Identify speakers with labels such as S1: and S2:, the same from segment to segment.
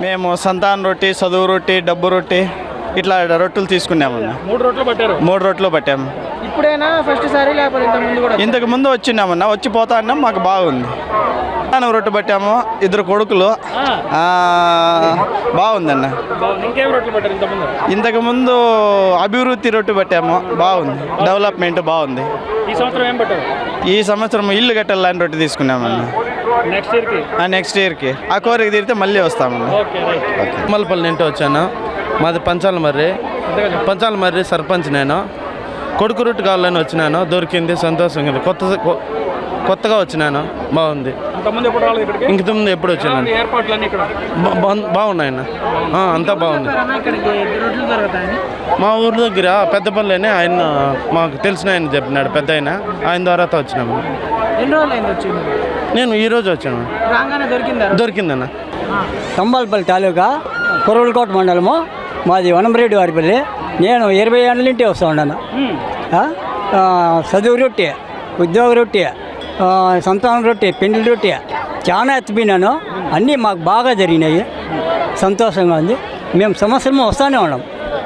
S1: మేము సంతాన రొట్టి, చదువు రొట్టి, డబ్బు రొట్టి ఇట్లా రొట్టెలు తీసుకున్నామన్నా.
S2: 3 రొట్టెలు పట్టారు.
S1: 3 రొట్టెలు పట్టాము.
S2: ఇప్పుడైనా ఫస్ట్ సారి లేకపోతే ఇంతకు ముందు కూడా?
S1: ఇంతకు ముందు వచ్చినామన్నా, వచ్చి పోతా అన్నాం, మాకు బాగుంది. రొట్టె పట్టాము, 2 కొడుకులు. బాగుందన్న.
S2: ఇంకేం రొట్టెలు పట్టారు ఇంతకుముందు?
S1: ఇంతకుముందు అభివృద్ధి రొట్టె పట్టాము, బాగుంది. డెవలప్మెంట్ బాగుంది.
S2: ఈ సంవత్సరం ఏం పట్టారు?
S1: ఈ సంవత్సరం ఇల్లు కట్టాలని రొట్టె తీసుకున్నామన్న. నెక్స్ట్ ఇయర్కి ఆ కోరిక తీరితే మళ్ళీ వస్తామన్న.
S3: మల్లపల్లి నుండి వచ్చాను. మాది పంచాలమర్రి సర్పంచ్. నేను కొడుకు రొట్టె కావాలని వచ్చినాను, దొరికింది, సంతోషంగా. కొత్తగా వచ్చినాను, బాగుంది. ఇంతకుముందు ఎప్పుడు వచ్చినాను. బాగున్నాయన్న, అంతా బాగుంది. మా ఊరి దగ్గర పెద్దపల్లిని ఆయన మాకు తెలిసిన ఆయన చెప్పినాడు, పెద్ద ఆయన ద్వారా వచ్చినాము. నేను ఈరోజు వచ్చాను. దొరికిందన్న.
S4: తంబాలపల్లి తాలూకా కొరవలకోట మండలము, మాది వనంరెడ్డి వారిపల్లి. నేను 20 ఏళ్ళ నుండి వస్తూ ఉన్నాను. చదువు రొట్టె, ఉద్యోగ రొట్టె, సంతానం రొట్టె, పెండ్లి రొట్టె చాలా ఎత్తిపోయినాను. అన్నీ మాకు బాగా జరిగినాయి, సంతోషంగా ఉంది. మేము సంవత్సరం వస్తూనే ఉన్నాం.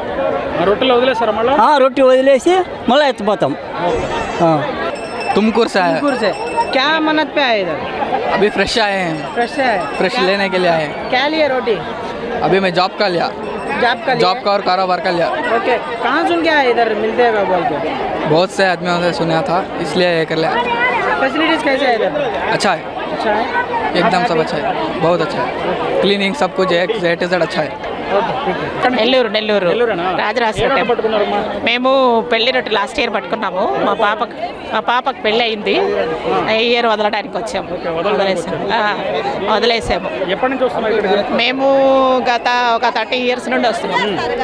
S4: రొట్టె వదిలేసి మళ్ళీ ఎత్తిపోతాం.
S5: तुमकुर से आए।
S2: क्या मन्नत पे आए इधर?
S5: अभी फ्रेश आए हैं। फ्रेश लेने के लिए आए हैं।
S2: क्या लिया रोटी?
S5: अभी मैं जॉब का लिया और कारोबार का लिया।
S2: ओके, कहाँ सुन के आए इधर मिलते हैं बोल के?
S5: बहुत से आदमियों से सुना था, इसलिए ये कर लिया।
S2: फैसिलिटीज कैसे है इधर?
S5: अच्छा है, एकदम सब अच्छा है, बहुत अच्छा है। क्लीनिंग सब कुछ A to Z अच्छा है।
S6: నెల్లూరు రాజరాజ మేము పెళ్లి రొట్టె లాస్ట్ ఇయర్ పట్టుకున్నాము. మా పాపకు పెళ్ళి అయింది, ఈ ఇయర్ వదలడానికి వచ్చాము. వదిలేసాము. మేము గత ఒక 30 years నుండి వస్తున్నాము.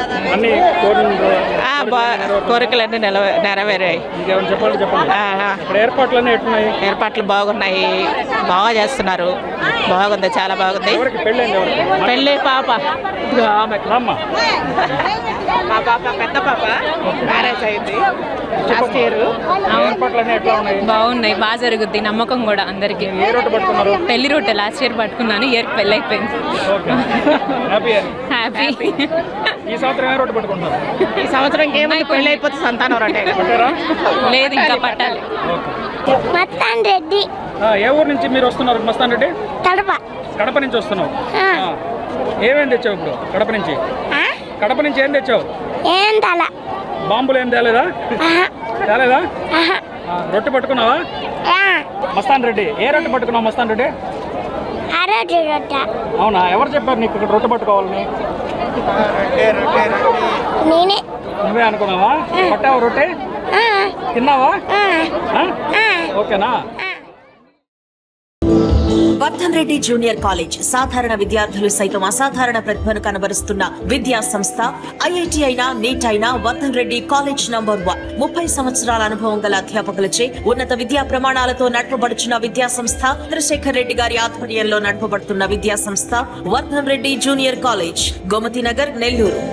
S6: కోరికలన్నీ నెరవేరాయి. ఏర్పాట్లు బాగున్నాయి, బాగా చేస్తున్నారు. బాగుంది, చాలా బాగుంది. పెళ్ళి పాప, మా పాప పెద్ద పాప మ్యారేజ్ అయింది లాస్ట్ ఇయర్.
S7: బాగున్నాయి, బాగా జరుగుద్ది, నమ్మకం కూడా అందరికి. పెళ్లి రొట్టె లాస్ట్ ఇయర్ పట్టుకున్నాను, ఇయర్ పెళ్ళి అయిపోయింది. హ్యాపీ.
S2: ఈ సంవత్సరం ఏమైనా
S6: పెళ్ళి అయిపోతే సంతానం రొట్టె
S7: లేదు, ఇంకా పట్టాలి.
S8: మస్తాన్ రెడ్డి.
S2: ఏ ఊరు నుంచి మీరు వస్తున్నారు? మస్తాన్ రెడ్డి కడప నుంచి వస్తున్నావు. ఏమేం తెచ్చావు ఇప్పుడు కడప నుంచి? ఏం తెచ్చావు? బాంబులు ఏం తేలేదా? రొట్టె పట్టుకున్నావా? మస్తాన్ రెడ్డి, ఏ రొట్టె పట్టుకున్నావు మస్తాన్ రెడ్డి? అవునా, ఎవరు చెప్పారు నీకు ఇక్కడ రొట్టె పట్టుకోవాలని? నువ్వే అనుకున్నావా? పట్టావు రొట్టె? తిన్నావా? ఓకేనా?
S9: వర్ధన్ రెడ్డి జూనియర్ కాలేజ్ సాధారణ విద్యార్థులు సైతం అసాధారణ ప్రతిభను కనబరుస్తున్న విద్యా సంస్థ. ఐఐటి అయినా, నీట్ అయినా వర్ధన్ రెడ్డి కాలేజ్ నంబర్ 1. 30 సంవత్సరాల అనుభవం గల అధ్యాపకులచే ఉన్నత విద్యా ప్రమాణాలతో నడపబడుచున్న విద్యా సంస్థ. చంద్రశేఖర్ రెడ్డి గారి ఆధ్వర్యంలో నడపబడుతున్న విద్యా సంస్థ వర్ధన్ రెడ్డి జూనియర్ కాలేజ్, గోమతి నగర్, నెల్లూరు.